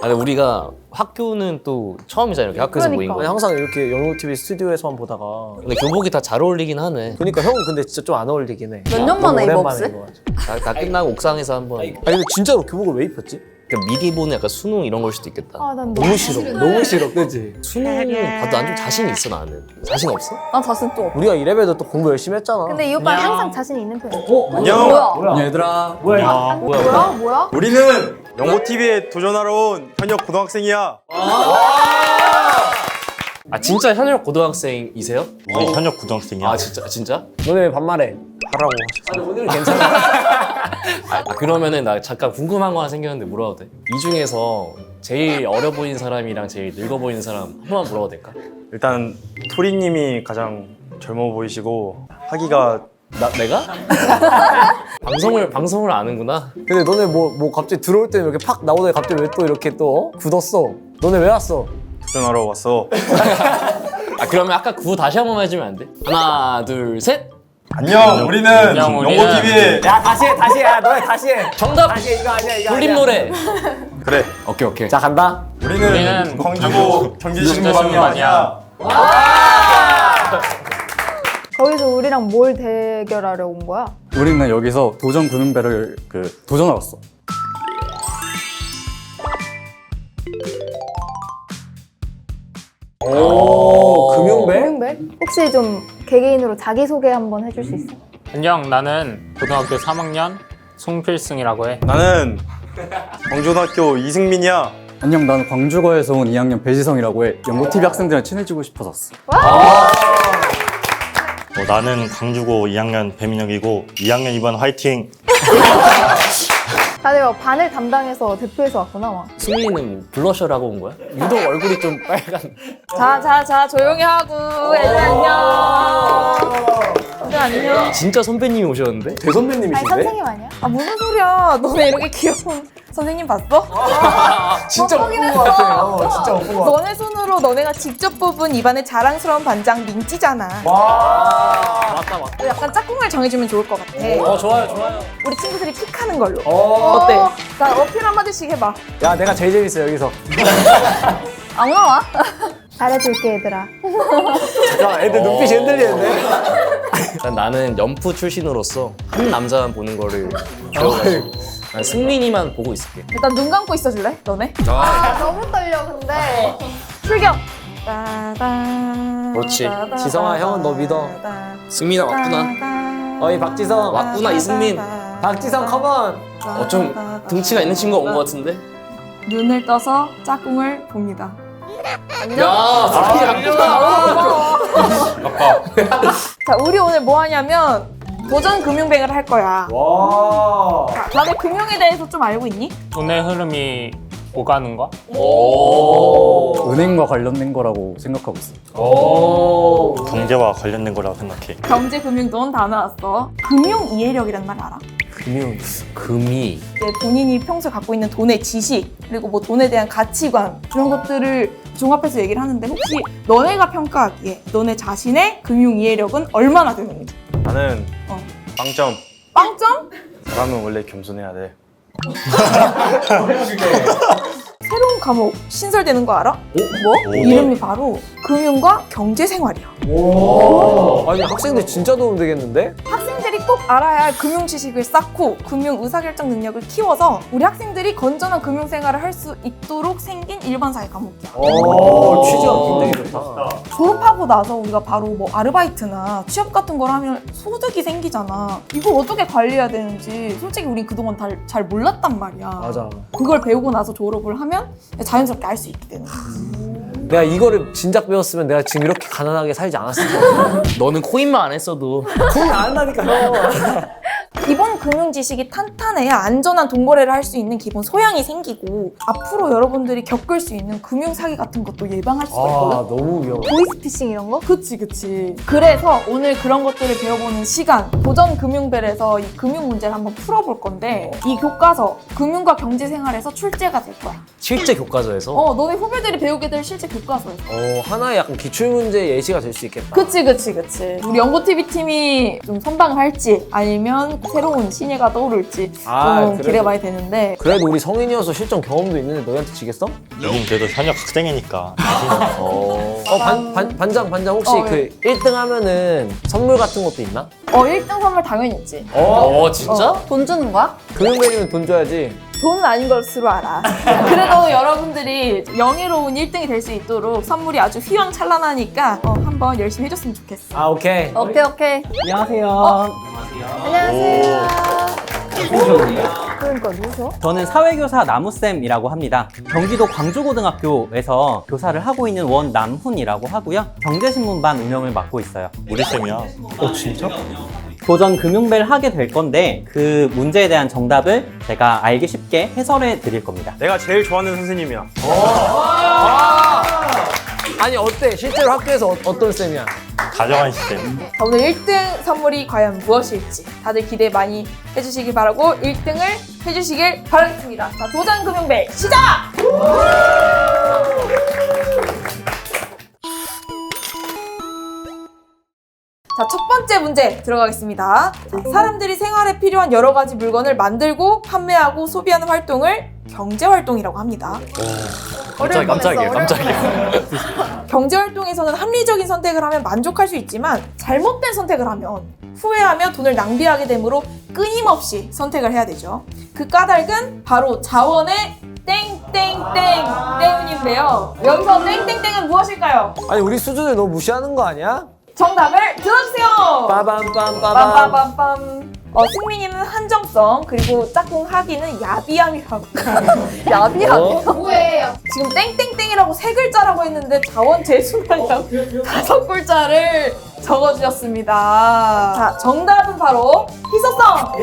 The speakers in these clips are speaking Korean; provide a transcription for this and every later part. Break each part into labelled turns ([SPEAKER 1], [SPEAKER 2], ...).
[SPEAKER 1] 근데 우리가 학교는 또 처음이잖아. 이렇게 학교에서 모인
[SPEAKER 2] 그러니까.
[SPEAKER 1] 거.
[SPEAKER 3] 항상 이렇게 영국TV 스튜디오에서만 보다가.
[SPEAKER 1] 근데 교복이 다 잘 어울리긴 하네.
[SPEAKER 3] 그러니까 형은 근데 진짜 좀 안 어울리긴 해.
[SPEAKER 2] 몇 년
[SPEAKER 3] 너무
[SPEAKER 2] 만에 입어,
[SPEAKER 3] 오랜만에
[SPEAKER 2] 혹시?
[SPEAKER 3] 입어가지고.
[SPEAKER 1] 다 끝나고 옥상에서 한번.
[SPEAKER 3] 아니 근데 진짜로 교복을 왜 입혔지?
[SPEAKER 1] 그러니까 미리 보는 약간 수능 이런 걸 수도 있겠다.
[SPEAKER 2] 아, 난
[SPEAKER 3] 너무 싫어. 너무 싫어, 그지?
[SPEAKER 1] 수능은 봐도 난 좀 자신이 있어 나는. 자신 없어?
[SPEAKER 2] 난 자신 또 없어.
[SPEAKER 3] 우리가 이래봬도 또 공부 열심히 했잖아.
[SPEAKER 2] 근데 이 오빠 항상 자신 있는 편이야.
[SPEAKER 4] 안녕.
[SPEAKER 2] 뭐야?
[SPEAKER 4] 얘들아.
[SPEAKER 3] 뭐야?
[SPEAKER 2] 뭐야?
[SPEAKER 4] 우리는 영고TV에 도전하러 온 현역 고등학생이야.
[SPEAKER 1] 아 진짜 현역 고등학생이세요?
[SPEAKER 4] 우리 현역 고등학생이야.
[SPEAKER 1] 아 진짜?
[SPEAKER 3] 너네 왜 반말해?
[SPEAKER 4] 하라고.
[SPEAKER 3] 아니 오늘은 괜찮아.
[SPEAKER 1] 아 그러면은 나 잠깐 궁금한 거 하나 생겼는데 물어봐도 돼? 이 중에서 제일 어려 보이는 사람이랑 제일 늙어 보이는 사람 한 번만 물어봐도 될까?
[SPEAKER 4] 일단 토리님이 가장 젊어 보이시고 하기가
[SPEAKER 1] 내가? 방송을 아는구나.
[SPEAKER 3] 근데 너네 뭐 갑자기 들어올 때는 이렇게 팍 나오더니 갑자기 왜 또 이렇게 또 굳었어? 너네 왜 왔어?
[SPEAKER 4] 도전하러 왔어.
[SPEAKER 1] 아 그러면 아까 구호 다시 한 번만 해주면 안 돼? 하나 둘 셋.
[SPEAKER 4] 안녕. 우리는 영고TV에
[SPEAKER 3] 야 다시 해, 너네 다시 해.
[SPEAKER 1] 정답.
[SPEAKER 3] 다시 해, 이거 아니야 이거.
[SPEAKER 1] 돌림
[SPEAKER 3] 아니야.
[SPEAKER 1] 노래.
[SPEAKER 4] 그래.
[SPEAKER 1] 오케이.
[SPEAKER 3] 자 간다.
[SPEAKER 4] 우리는 광주고 경기신문반이야.
[SPEAKER 2] 거기서 우리랑 뭘 대결하려 온 거야?
[SPEAKER 5] 우리는 여기서 도전 금융배를 도전하러 왔어.
[SPEAKER 3] 오 금융배?
[SPEAKER 2] 금융배? 혹시 좀 개개인으로 자기소개 한번 해줄 수 있어?
[SPEAKER 6] 안녕, 나는 고등학교 3학년 송필승이라고 해.
[SPEAKER 4] 나는 광주고등학교 이승민이야.
[SPEAKER 5] 안녕, 나는 광주거에서 온 2학년 배지성이라고 해. 영고TV 학생들이랑 친해지고 싶어서 왔어.
[SPEAKER 7] 나는 광주고 2학년 배민혁이고 2학년 이번 화이팅!
[SPEAKER 2] 다들 막 반을 담당해서 대표해서 왔구나 막.
[SPEAKER 1] 수민이는 블러셔라고 온 거야? 유독 얼굴이 좀 빨간.
[SPEAKER 2] 자 조용히 하고 애들 안녕. 애들 안녕.
[SPEAKER 1] 진짜 선배님이 오셨는데?
[SPEAKER 2] 아니
[SPEAKER 3] 대선배님이신데?
[SPEAKER 2] 선생님 아니야?
[SPEAKER 8] 아 무슨 소리야? 너네 이렇게 귀여운 선생님 봤어?
[SPEAKER 3] 진짜 못 본 거 같아. 진짜 못 본 거 같아.
[SPEAKER 8] 너네 손으로 너네가 직접 뽑은 입안의 자랑스러운 반장 민찌잖아.
[SPEAKER 1] 맞다.
[SPEAKER 8] 약간 짝꿍을 정해주면 좋을 것 같아.
[SPEAKER 1] 좋아요.
[SPEAKER 8] 우리 친구들이 픽하는 걸로.
[SPEAKER 3] 어.
[SPEAKER 8] 어때? 나 어필 한마디씩 해봐.
[SPEAKER 3] 야 내가 제일 재밌어 여기서.
[SPEAKER 2] 안 나와? 잘해줄게 얘들아.
[SPEAKER 3] 야 애들 눈빛이 흔들리는데?
[SPEAKER 1] 나는 연프 출신으로서 한 남자만 보는 거를 배워가지고 난 승민이만 보고 있을게.
[SPEAKER 8] 일단 눈 감고 있어줄래? 너네?
[SPEAKER 2] 아 너무 떨려 근데.
[SPEAKER 8] 출격.
[SPEAKER 1] 그렇지.
[SPEAKER 3] 지성아, 형은 너 믿어.
[SPEAKER 1] 승민아 왔구나.
[SPEAKER 3] 어이 박지성.
[SPEAKER 1] 왔구나 이승민.
[SPEAKER 3] 박지성 컴온.
[SPEAKER 1] 좀 등치가 있는 친구가 온 것 같은데?
[SPEAKER 8] 눈을 떠서 짝꿍을 봅니다.
[SPEAKER 1] 야 승민이 왔구나.
[SPEAKER 8] 자, 우리 오늘 뭐 하냐면 도전 금융뱅을 할 거야.
[SPEAKER 3] 와.
[SPEAKER 8] 자, 다들 금융에 대해서 좀 알고 있니?
[SPEAKER 6] 돈의 흐름이 오가는 거?
[SPEAKER 5] 은행과 관련된 거라고 생각하고 있어.
[SPEAKER 7] 경제와 관련된 거라고 생각해.
[SPEAKER 8] 경제, 금융, 돈 다 나왔어. 금융 이해력이란 말 알아?
[SPEAKER 1] 금이
[SPEAKER 8] 이제 본인이 평소에 갖고 있는 돈의 지식, 그리고 뭐 돈에 대한 가치관, 그런 것들을 종합해서 얘기를 하는데 혹시 너네가 평가하기에 너네 자신의 금융 이해력은 얼마나 되는지?
[SPEAKER 4] 나는 빵점.
[SPEAKER 8] 빵점?
[SPEAKER 4] 사람은 원래 겸손해야 돼.
[SPEAKER 8] 새로운 과목 신설되는 거 알아? 뭐? 이름이 바로 금융과 경제생활이야.
[SPEAKER 3] 아니 학생들 진짜 도움 되겠는데?
[SPEAKER 8] 학생들이 꼭 알아야 할 금융 지식을 쌓고 금융 의사결정 능력을 키워서 우리 학생들이 건전한 금융 생활을 할 수 있도록 생긴 일반 사회 과목이야.
[SPEAKER 3] 오 취지가 굉장히 좋다.
[SPEAKER 8] 졸업하고 나서 우리가 바로 뭐 아르바이트나 취업 같은 걸 하면 소득이 생기잖아. 이걸 어떻게 관리해야 되는지 솔직히 우린 그동안 잘 몰랐단 말이야.
[SPEAKER 3] 맞아.
[SPEAKER 8] 그걸 배우고 나서 졸업을 하면 자연스럽게 알 수 있게 되는 거지.
[SPEAKER 3] 내가 이거를 진작 배웠으면 내가 지금 이렇게 가난하게 살지 않았을 거야.
[SPEAKER 1] 너는 코인만 안 했어도
[SPEAKER 3] 돈이 안 한다니까 형.
[SPEAKER 8] 기본 금융 지식이 탄탄해야 안전한 돈 거래를 할 수 있는 기본 소양이 생기고 앞으로 여러분들이 겪을 수 있는 금융 사기 같은 것도 예방할 수가 있거든.
[SPEAKER 3] 아 너무 위험해.
[SPEAKER 2] 보이스피싱 이런 거?
[SPEAKER 8] 그치. 그래서 오늘 그런 것들을 배워보는 시간, 도전 금융벨에서 이 금융 문제를 한번 풀어볼 건데 이 교과서, 금융과 경제생활에서 출제가 될 거야.
[SPEAKER 1] 실제 교과서에서
[SPEAKER 8] 너네 후배들이 배우게 될 실제 교과서에서.
[SPEAKER 3] 하나의 약간 기출문제 예시가 될 수 있겠다.
[SPEAKER 8] 그치. 우리 연고TV 팀이 좀 선방을 할지 아니면 새로운 신예가 떠오를지
[SPEAKER 3] 아,
[SPEAKER 8] 좀
[SPEAKER 3] 그래도-
[SPEAKER 8] 기대가 많이 되는데
[SPEAKER 3] 그래도 우리 성인이어서 실전 경험도 있는데 너희한테 지겠어?
[SPEAKER 7] 우린 그래도 현역 학생이니까.
[SPEAKER 3] 반장 혹시
[SPEAKER 8] 어,
[SPEAKER 3] 그 1등 하면은 선물 같은 것도 있나?
[SPEAKER 8] 1등 선물 당연히 있지.
[SPEAKER 1] 진짜?
[SPEAKER 2] 돈 주는 거야?
[SPEAKER 3] 금융배이면 돈 줘야지.
[SPEAKER 8] 돈은 아닌 것으로 알아. 그래도 여러분들이 영예로운 1등이 될 수 있도록 선물이 아주 휘황찬란하니까 한번 열심히 해줬으면 좋겠어.
[SPEAKER 3] 아 오케이.
[SPEAKER 2] 오케이.
[SPEAKER 5] 안녕하세요.
[SPEAKER 2] 안녕하세요. 그러니까 누구셔?
[SPEAKER 9] 저는 사회교사 나무쌤이라고 합니다. 경기도 광주고등학교에서 교사를 하고 있는 원남훈이라고 하고요. 경제신문반 운영을 맡고 있어요.
[SPEAKER 7] 우리 쌤이야.
[SPEAKER 9] 도전 금융배를 하게 될 건데 그 문제에 대한 정답을 제가 알기 쉽게 해설해 드릴 겁니다.
[SPEAKER 4] 내가 제일 좋아하는 선생님이야.
[SPEAKER 3] 아니 어때? 실제로 학교에서 어떤 쌤이야?
[SPEAKER 7] 다정한 시스템.
[SPEAKER 8] 자, 오늘 1등 선물이 과연 무엇일지 다들 기대 많이 해주시길 바라고 1등을 해주시길 바라겠습니다. 자, 도전 금융배 시작! 자, 첫 번째 문제 들어가겠습니다. 자, 사람들이 생활에 필요한 여러 가지 물건을 만들고 판매하고 소비하는 활동을 경제활동이라고 합니다.
[SPEAKER 1] 깜짝이야.
[SPEAKER 8] 경제활동에서는 합리적인 선택을 하면 만족할 수 있지만 잘못된 선택을 하면 후회하며 돈을 낭비하게 되므로 끊임없이 선택을 해야 되죠. 그 까닭은 바로 자원의 땡땡땡 때문인데요. 여기서 땡땡땡은 무엇일까요?
[SPEAKER 3] 아니 우리 수준을 너무 무시하는 거 아니야?
[SPEAKER 8] 정답을 들어주세요.
[SPEAKER 3] 빠밤빰빠밤.
[SPEAKER 8] 빰빰빰빰. 승민이는 한정성 그리고 짝꿍 하기는 야비함이라고.
[SPEAKER 2] 야비하네. 뭐예요?
[SPEAKER 8] 지금 땡땡땡이라고 세 글자라고 했는데 자원 재수량이라고 5글자를 적어주셨습니다. 자, 정답은 바로 희소성.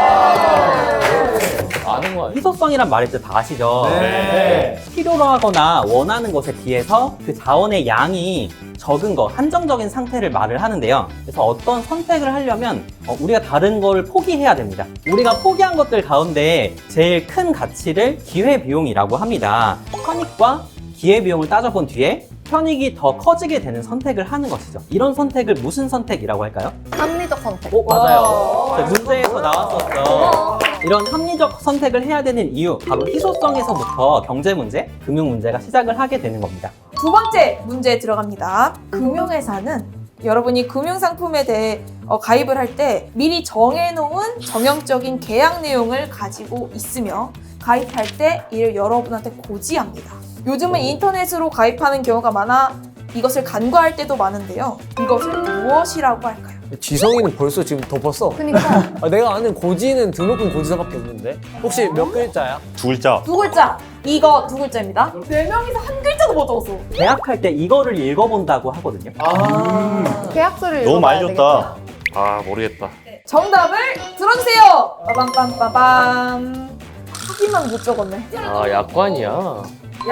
[SPEAKER 1] 아는 거 아니야?
[SPEAKER 9] 희소성이란 말일 때 다 아시죠?
[SPEAKER 3] 네.
[SPEAKER 9] 필요로 하거나 원하는 것에 비해서 그 자원의 양이 적은 것, 한정적인 상태를 말을 하는데요. 그래서 어떤 선택을 하려면 우리가 다른 걸 포기해야 됩니다. 우리가 포기한 것들 가운데 제일 큰 가치를 기회비용이라고 합니다. 편익과 기회비용을 따져본 뒤에 편익이 더 커지게 되는 선택을 하는 것이죠. 이런 선택을 무슨 선택이라고 할까요?
[SPEAKER 2] 합리적 선택.
[SPEAKER 9] 맞아요. 문제에서 나왔었죠. 이런 합리적 선택을 해야 되는 이유, 바로 희소성에서부터 경제 문제, 금융 문제가 시작을 하게 되는 겁니다.
[SPEAKER 8] 두 번째 문제에 들어갑니다. 금융회사는 여러분이 금융상품에 대해 가입을 할 때 미리 정해놓은 정형적인 계약 내용을 가지고 있으며 가입할 때 이를 여러분한테 고지합니다. 요즘은 인터넷으로 가입하는 경우가 많아 이것을 간과할 때도 많은데요. 이것을 무엇이라고 할까요?
[SPEAKER 3] 지성이는 벌써 지금 덮었어.
[SPEAKER 2] 그니까.
[SPEAKER 3] 내가 아는 고지는 등록금 고지서밖에 없는데. 혹시 몇 글자야?
[SPEAKER 7] 2글자.
[SPEAKER 8] 두 글자. 이거 두 글자입니다. 네 명이서 한 글자도 못 적었어.
[SPEAKER 9] 계약할 때 이거를 읽어본다고 하거든요.
[SPEAKER 2] 계약서를
[SPEAKER 7] 너무 많이
[SPEAKER 2] 읽어봐야
[SPEAKER 7] 줬다.
[SPEAKER 1] 아 모르겠다.
[SPEAKER 8] 정답을 들어주세요. 빠밤빰빠밤. 하기만 못 적었네.
[SPEAKER 1] 아 약관이야.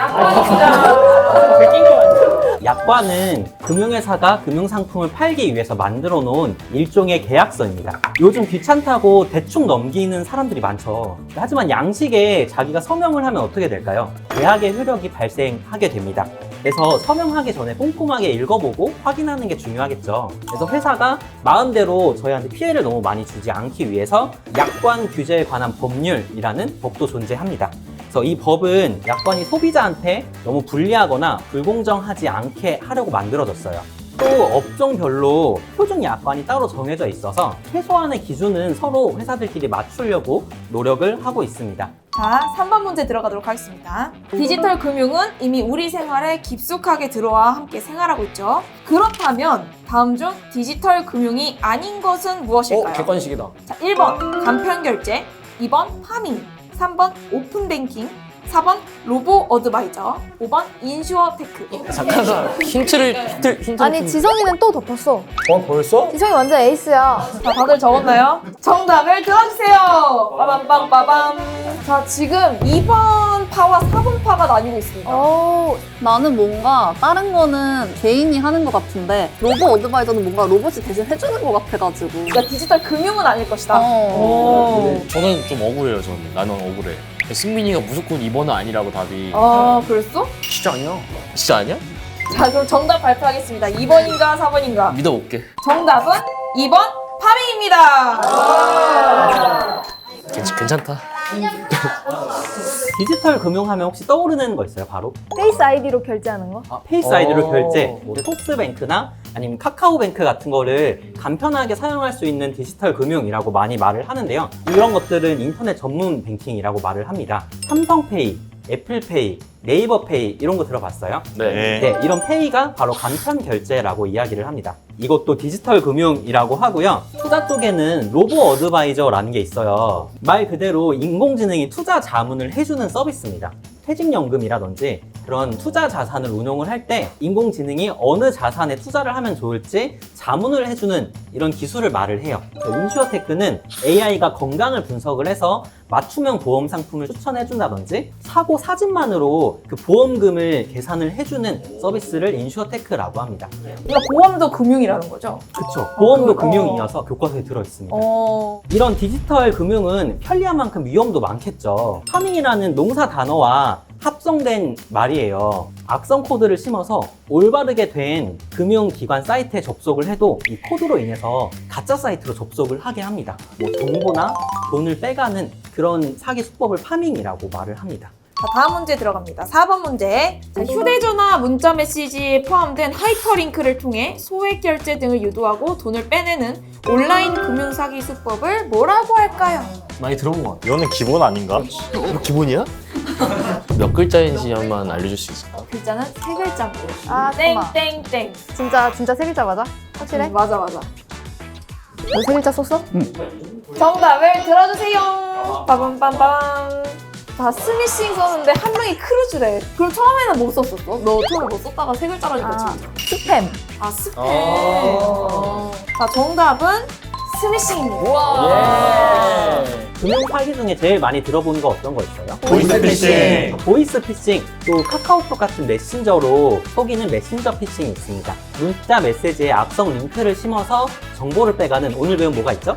[SPEAKER 9] 약관은 금융회사가 금융상품을 팔기 위해서 만들어 놓은 일종의 계약서입니다. 요즘 귀찮다고 대충 넘기는 사람들이 많죠. 하지만 양식에 자기가 서명을 하면 어떻게 될까요? 계약의 효력이 발생하게 됩니다. 그래서 서명하기 전에 꼼꼼하게 읽어보고 확인하는 게 중요하겠죠. 그래서 회사가 마음대로 저희한테 피해를 너무 많이 주지 않기 위해서 약관 규제에 관한 법률이라는 법도 존재합니다. 그래서 이 법은 약관이 소비자한테 너무 불리하거나 불공정하지 않게 하려고 만들어졌어요. 또 업종별로 표준 약관이 따로 정해져 있어서 최소한의 기준은 서로 회사들끼리 맞추려고 노력을 하고 있습니다.
[SPEAKER 8] 자, 3번 문제 들어가도록 하겠습니다. 디지털 금융은 이미 우리 생활에 깊숙하게 들어와 함께 생활하고 있죠. 그렇다면 다음 중 디지털 금융이 아닌 것은 무엇일까요?
[SPEAKER 3] 객관식이다.
[SPEAKER 8] 자, 1번 간편결제, 2번 파밍, 3번 오픈뱅킹, 4번 로보 어드바이저, 5번 인슈어테크.
[SPEAKER 1] 잠깐만 힌트.
[SPEAKER 2] 아니 지성이는 또 덮었어.
[SPEAKER 3] 벌써?
[SPEAKER 2] 지성이 완전 에이스야.
[SPEAKER 8] 자, 다들 적었나요? 정답을 들어주세요. 빠밤빰빠밤. 자, 지금 2번 파와 4번 파가 나뉘고 있습니다.
[SPEAKER 10] 나는 뭔가 다른 거는 개인이 하는 것 같은데 로봇 어드바이저는 뭔가 로봇이 대신 해주는 것 같아가지고
[SPEAKER 8] 그러니까 디지털 금융은 아닐 것이다.
[SPEAKER 10] 오.
[SPEAKER 1] 저는 좀 억울해요. 나는 억울해. 승민이가 무조건 2번은 아니라고 답이.
[SPEAKER 8] 아, 그랬어?
[SPEAKER 1] 진짜 아니야? 진짜 아니야?
[SPEAKER 8] 자, 그럼 정답 발표하겠습니다. 2번인가 4번인가?
[SPEAKER 1] 믿어볼게.
[SPEAKER 8] 정답은 2번 파밍입니다.
[SPEAKER 1] 괜찮다.
[SPEAKER 9] 디지털 금융하면 혹시 떠오르는 거 있어요? 바로
[SPEAKER 2] 페이스 아이디로 결제하는 거?
[SPEAKER 9] 페이스 아이디로 결제, 뭐 토스뱅크나 아니면 카카오뱅크 같은 거를 간편하게 사용할 수 있는 디지털 금융이라고 많이 말을 하는데요. 이런 것들은 인터넷 전문 뱅킹이라고 말을 합니다. 삼성페이, 애플페이, 네이버페이 이런 거 들어봤어요?
[SPEAKER 1] 네.
[SPEAKER 9] 네, 이런 페이가 바로 간편 결제라고 이야기를 합니다. 이것도 디지털 금융이라고 하고요. 투자 쪽에는 로보 어드바이저라는 게 있어요. 말 그대로 인공지능이 투자 자문을 해주는 서비스입니다. 퇴직연금이라든지 그런 투자 자산을 운용을 할 때 인공지능이 어느 자산에 투자를 하면 좋을지 자문을 해주는 이런 기술을 말을 해요. 인슈어테크는 AI가 건강을 분석을 해서 맞춤형 보험 상품을 추천해준다든지 사고 사진만으로 그 보험금을 계산을 해주는 서비스를 인슈어테크라고 합니다.
[SPEAKER 8] 그러니까 보험도 금융이라는 거죠?
[SPEAKER 9] 그쵸. 보험도 금융이어서 교과서에 들어있습니다. 이런 디지털 금융은 편리한 만큼 위험도 많겠죠. 파밍이라는 농사 단어와 합성된 말이에요. 악성 코드를 심어서 올바르게 된 금융기관 사이트에 접속을 해도 이 코드로 인해서 가짜 사이트로 접속을 하게 합니다. 뭐 정보나 돈을 빼가는 그런 사기 수법을 파밍이라고 말을 합니다.
[SPEAKER 8] 자, 다음 문제 들어갑니다. 4번 문제. 자, 휴대전화 문자 메시지에 포함된 하이퍼링크를 통해 소액 결제 등을 유도하고 돈을 빼내는 온라인 금융 사기 수법을 뭐라고 할까요?
[SPEAKER 1] 많이 들어본 것 같아.
[SPEAKER 7] 이거는 기본 아닌가?
[SPEAKER 1] 이거 기본이야? 몇 글자인지 한번 알려줄 수 있을까?
[SPEAKER 8] 글자는 세 글자입니다.
[SPEAKER 2] 아, 잠깐만.
[SPEAKER 8] 땡땡땡.
[SPEAKER 2] 진짜 세 글자 맞아? 확실해?
[SPEAKER 8] 맞아.
[SPEAKER 2] 너 세 글자 썼어?
[SPEAKER 8] 정답을 들어주세요. 빠밤빰빰. 자, 스미싱 썼는데 한 명이 크루즈래. 그럼 처음에는 못 썼었어? 너 처음에 못 썼다가 세 글자라니까 지금.
[SPEAKER 2] 스팸.
[SPEAKER 8] 아, 스팸. 자, 정답은 스미싱입니다.
[SPEAKER 9] 금융 사기 중에 제일 많이 들어보는 거 어떤 거 있어요?
[SPEAKER 7] 보이스피싱.
[SPEAKER 9] 보이스피싱, 또 카카오톡 같은 메신저로 속이는 메신저 피싱이 있습니다. 문자 메시지에 악성 링크를 심어서 정보를 빼가는 오늘 배운 뭐가 있죠?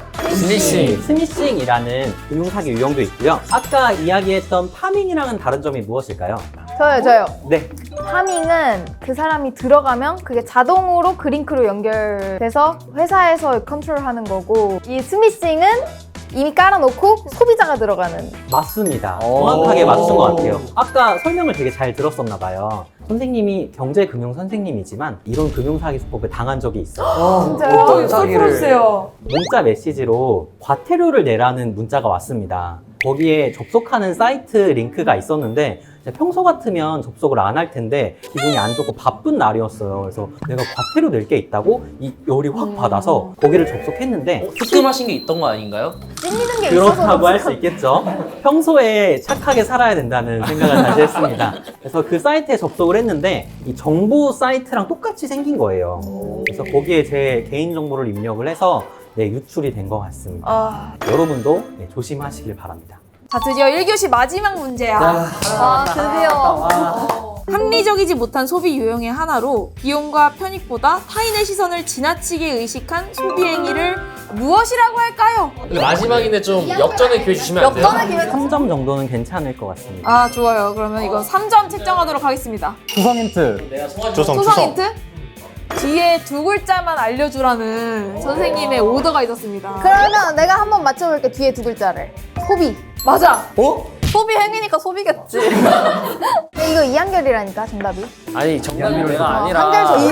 [SPEAKER 9] 스미싱이라는 금융 사기 유형도 있고요. 아까 이야기했던 파밍이랑은 다른 점이 무엇일까요?
[SPEAKER 2] 저요.
[SPEAKER 9] 네,
[SPEAKER 2] 파밍은 그 사람이 들어가면 그게 자동으로 그 링크로 연결돼서 회사에서 컨트롤하는 거고, 이 스미싱은 이미 깔아놓고 소비자가 들어가는.
[SPEAKER 9] 맞습니다. 정확하게 맞춘 것 같아요. 아까 설명을 되게 잘 들었었나 봐요. 선생님이 경제금융 선생님이지만 이런 금융사기 수법에 당한 적이 있어요.
[SPEAKER 2] 진짜요?
[SPEAKER 3] 어떤 사기를?
[SPEAKER 8] 풀어주세요.
[SPEAKER 9] 문자 메시지로 과태료를 내라는 문자가 왔습니다. 거기에 접속하는 사이트 링크가 있었는데 평소 같으면 접속을 안 할 텐데 기분이 안 좋고 바쁜 날이었어요. 그래서 내가 과태료 낼 게 있다고 이 열이 확 받아서 거기를 접속했는데
[SPEAKER 1] 특금하신 게 있던 거 아닌가요?
[SPEAKER 2] 찔리는 게 있어서.
[SPEAKER 9] 그렇다고 할 수 있겠죠. 평소에 착하게 살아야 된다는 생각을 다시 했습니다. 그래서 그 사이트에 접속을 했는데 이 정보 사이트랑 똑같이 생긴 거예요. 그래서 거기에 제 개인정보를 입력을 해서 유출이 된 것 같습니다. 여러분도 조심하시길 바랍니다.
[SPEAKER 8] 자, 드디어 1교시 마지막 문제야.
[SPEAKER 10] 아, 드디어.
[SPEAKER 8] 합리적이지 못한 소비 유형의 하나로 비용과 편익보다 타인의 시선을 지나치게 의식한 소비 행위를 무엇이라고 할까요?
[SPEAKER 1] 근데 마지막인데 좀 역전의 기회 주시면 안 돼요?
[SPEAKER 10] 역전의 기회.
[SPEAKER 9] 3점 정도는 괜찮을 것 같습니다.
[SPEAKER 8] 아, 좋아요. 그러면 이건 3점 책정하도록 하겠습니다.
[SPEAKER 5] 구성 힌트.
[SPEAKER 7] 조성.
[SPEAKER 8] 초성 힌트? 뒤에 두 글자만 알려주라는 선생님의 오더가 있었습니다.
[SPEAKER 2] 그러면 내가 한번 맞춰볼게. 뒤에 두 글자를. 소비.
[SPEAKER 8] 맞아.
[SPEAKER 10] 소비 행위니까 소비겠지.
[SPEAKER 2] 이거 2한결이라니까 정답이.
[SPEAKER 1] 아니 정답이
[SPEAKER 3] 내가 아니라.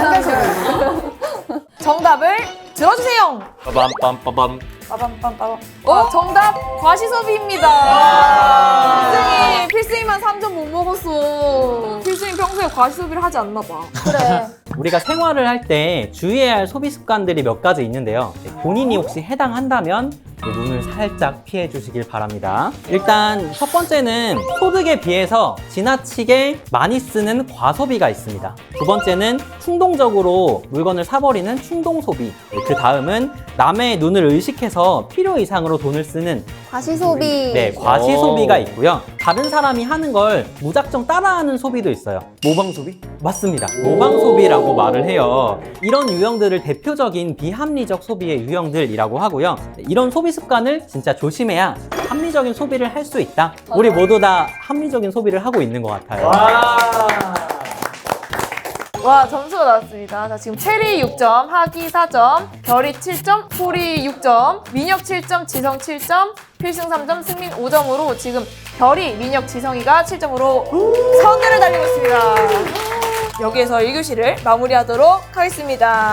[SPEAKER 2] 한결.
[SPEAKER 8] 정답을 들어주세요.
[SPEAKER 1] 빠밤빰빠밤.
[SPEAKER 8] 빠밤빰빠밤. 정답 과시소비입니다. 필승이만 3점 못 먹었어. 필승이 평소에 과시소비를 하지 않나 봐.
[SPEAKER 2] 그래.
[SPEAKER 9] 우리가 생활을 할 때 주의해야 할 소비 습관들이 몇 가지 있는데요. 본인이 혹시 해당한다면 눈을 살짝 피해 주시길 바랍니다. 일단 첫 번째는 소득에 비해서 지나치게 많이 쓰는 과소비가 있습니다. 두 번째는 충동적으로 물건을 사버리는 충동소비. 그 다음은 남의 눈을 의식해서 필요 이상으로 돈을 쓰는
[SPEAKER 2] 과시소비.
[SPEAKER 9] 네, 과시소비가 있고요. 다른 사람이 하는 걸 무작정 따라하는 소비도 있어요.
[SPEAKER 3] 모방소비?
[SPEAKER 9] 맞습니다. 모방소비라고 말을 해요. 이런 유형들을 대표적인 비합리적 소비의 유형들이라고 하고요. 이런 소비 습관을 진짜 조심해야 합리적인 소비를 할 수 있다. 우리 모두 다 합리적인 소비를 하고 있는 것 같아요.
[SPEAKER 8] 와, 점수가 나왔습니다. 자, 지금 체리 6점, 하기 4점, 별이 7점, 소리 6점, 민혁 7점, 지성 7점, 필승 3점, 승민 5점으로 지금 별이, 민혁, 지성이가 7점으로 선두를 달리고 있습니다. 여기에서 1교시를 마무리하도록 하겠습니다.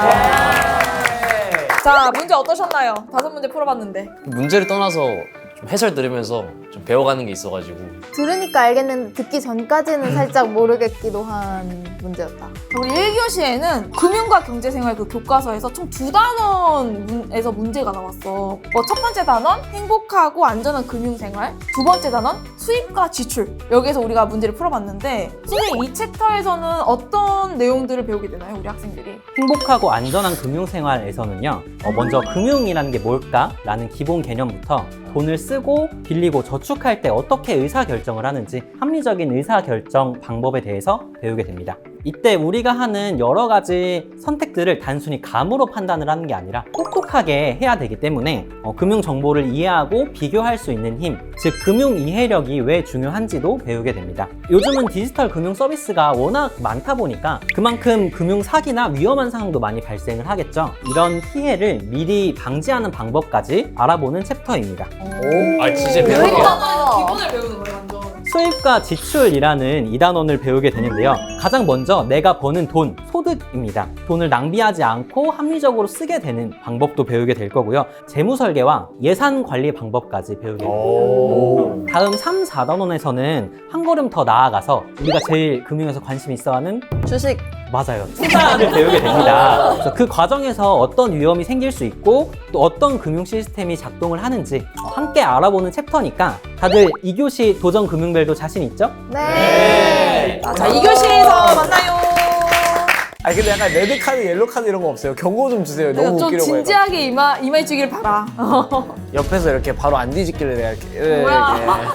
[SPEAKER 8] 자, 문제 어떠셨나요? 5문제 풀어봤는데.
[SPEAKER 1] 문제를 떠나서 좀 해설 들으면서 좀 배워가는 게 있어가지고
[SPEAKER 2] 들으니까 알겠는데 듣기 전까지는 살짝 모르겠기도 한 문제였다.
[SPEAKER 8] 우리 1교시에는 금융과 경제생활 그 교과서에서 총 2단원에서 문제가 나왔어. 첫 번째 단원, 행복하고 안전한 금융생활. 두 번째 단원, 수입과 지출. 여기에서 우리가 문제를 풀어봤는데 선생님 이 챕터에서는 어떤 내용들을 배우게 되나요? 우리 학생들이?
[SPEAKER 9] 행복하고 안전한 금융생활에서는요, 먼저 금융이라는 게 뭘까라는 기본 개념부터 돈을 쓰고 빌리고 저축할 때 어떻게 의사결정을 하는지 합리적인 의사결정 방법에 대해서 배우게 됩니다. 이때 우리가 하는 여러 가지 선택들을 단순히 감으로 판단을 하는 게 아니라 똑똑하게 해야 되기 때문에 금융 정보를 이해하고 비교할 수 있는 힘, 즉 금융 이해력이 왜 중요한지도 배우게 됩니다. 요즘은 디지털 금융 서비스가 워낙 많다 보니까 그만큼 금융 사기나 위험한 상황도 많이 발생을 하겠죠. 이런 피해를 미리 방지하는 방법까지 알아보는 챕터입니다.
[SPEAKER 1] 아 진짜 배우게
[SPEAKER 8] 기본을 배우는 거예요, 완전.
[SPEAKER 9] 수입과 지출이라는 2단원을 배우게 되는데요. 가장 먼저 내가 버는 돈, 소득입니다. 돈을 낭비하지 않고 합리적으로 쓰게 되는 방법도 배우게 될 거고요. 재무 설계와 예산 관리 방법까지 배우게 됩니다. 다음 3, 4단원에서는 한 걸음 더 나아가서 우리가 제일 금융에서 관심 있어하는
[SPEAKER 10] 주식.
[SPEAKER 9] 맞아요. 투자를 배우게 됩니다. 그래서 그 과정에서 어떤 위험이 생길 수 있고 또 어떤 금융 시스템이 작동을 하는지 함께 알아보는 챕터니까 다들 2교시 도전 금융별도 자신 있죠?
[SPEAKER 2] 네.
[SPEAKER 8] 자, 2교시에서 만나요.
[SPEAKER 3] 아니 근데 약간 레드 카드, 옐로 카드 이런 거 없어요? 경고 좀 주세요. 너무
[SPEAKER 8] 좀
[SPEAKER 3] 웃기려고
[SPEAKER 8] 진지하게 임해주길 바라.
[SPEAKER 3] 옆에서 이렇게 바로 안 뒤집길래 내가 이렇게
[SPEAKER 8] 뭐야.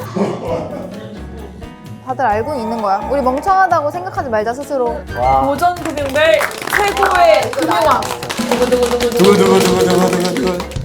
[SPEAKER 2] 다들 알고는 있는 거야. 우리 멍청하다고 생각하지 말자 스스로.
[SPEAKER 8] 도전 금융별 최고의 금융왕. 누구.
[SPEAKER 3] 두구두구두구두구두구